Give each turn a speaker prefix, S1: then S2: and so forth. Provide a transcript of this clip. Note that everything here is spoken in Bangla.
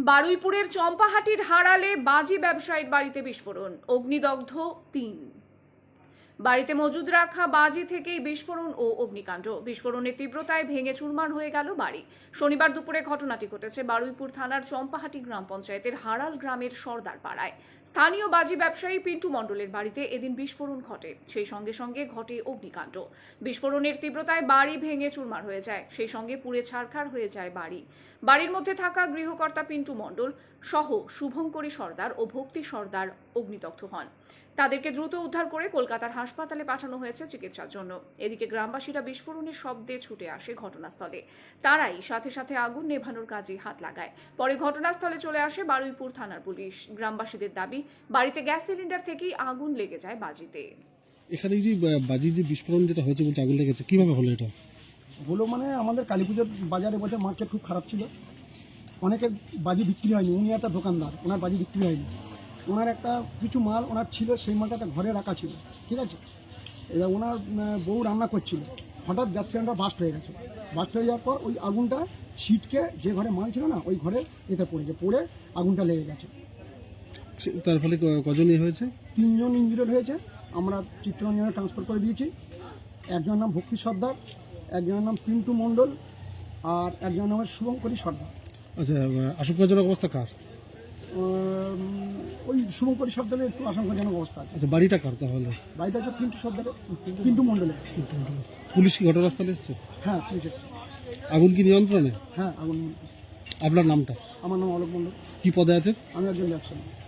S1: বারুইপুরের চম্পাহাটির হারালে বাজি ব্যবসায়ীর বাড়িতে বিস্ফোরণ, অগ্নিদগ্ধ ৩। বাড়িতে মজুদ রাখা বাজি থেকেই বিস্ফোরণ ও অগ্নিকাণ্ড। বিস্ফোরণের তীব্রতায় ভেঙে চুরমার হয়ে গেল বাড়ি। শনিবার দুপুরে ঘটনাটি ঘটেছে বারুইপুর থানার চম্পাহাটি গ্রাম পঞ্চায়েতের হারাল গ্রামের সর্দার পাড়ায়। স্থানীয় বাজি ব্যবসায়ী পিন্টু মণ্ডলের বাড়িতে এদিন বিস্ফোরণ ঘটে। সেই সঙ্গে সঙ্গে ঘটে অগ্নিকাণ্ড। বিস্ফোরণের তীব্রতায় বাড়ি ভেঙে চুরমার হয়ে যায়, সেই সঙ্গে পুড়ে ছারখার হয়ে যায় বাড়ি। বাড়ির মধ্যে থাকা গৃহকর্তা পিন্টু মণ্ডল সহ শুভঙ্করী সর্দার ও ভক্তি সর্দার অগ্নিদগ্ধ হন। তাদেরকে দ্রুত উদ্ধার করে কলকাতার হাসপাতালে পাঠানো হয়েছে চিকিৎসার জন্য। এদিকে গ্রামবাসীরা বিস্ফোরণের শব্দে ছুটে আসে ঘটনাস্থলে। তারাই সাথে সাথে আগুন নেভানোর কাজে হাত লাগায়। পরে ঘটনাস্থলে চলে আসে বারুইপুর থানার পুলিশ। গ্রামবাসীদের দাবি, বাড়িতে গ্যাস সিলিন্ডার থেকেই আগুন লেগে যায় বাজিতে।
S2: এখানে যে বাজির যে বিস্ফোরণ যেটা হয়েছে বলতে আগুন লেগেছে, কিভাবে হলো এটা?
S3: হলো মানে আমাদের কালী পুজোর বাজারে বলতে মার্কেট খুব খারাপ ছিল, অনেকের বাজি বিক্রি হয়নি। উনি একটা দোকানদার, ওনার বাজি বিক্রি হয়নি। ওনার একটা কিছু মাল ওনার ছিল, সেই মালটা একটা ঘরে রাখা ছিল, ঠিক আছে। এবার ওনার বউ রান্না করছিল, হঠাৎ গ্যাস সিলিন্ডার বাস্ট হয়ে গেছে। বাস্ট হয়ে যাওয়ার পর ওই আগুনটা ছিটকে যে ঘরে মাল ছিল না, ওই ঘরে এতে পড়েছে, পড়ে আগুনটা লেগে গেছে।
S2: তার ফলে কজন হয়েছে?
S3: 3 জন ইঞ্জুরিড হয়েছে। আমরা চিত্তরঞ্জনে ট্রান্সফার করে দিয়েছি। একজনের নাম ভক্তি সর্দার, একজনের নাম পিন্টু মণ্ডল, আর একজনের নাম শুভঙ্করী সর্দার।
S2: আচ্ছা, আশঙ্কাজনক অবস্থা কার?
S3: ওই শুভঙ্করী সর্দারের একটু আশঙ্কাজনক অবস্থা আছে।
S2: আচ্ছা, বাড়িটা কার তাহলে?
S3: বাড়িটা হচ্ছে পিন্টু সর্দারের, পিন্টু মণ্ডলের।
S2: পুলিশ কি ঘটনাস্থলে এসেছে?
S3: হ্যাঁ, পুলিশ এসেছে।
S2: আগুন কি নিয়ন্ত্রণে?
S3: হ্যাঁ, আগুন।
S2: আপনার নামটা?
S3: আমার নাম অলোক মণ্ডল।
S2: কি পদে আছে?
S3: আমি একজন ব্যবসায়ী।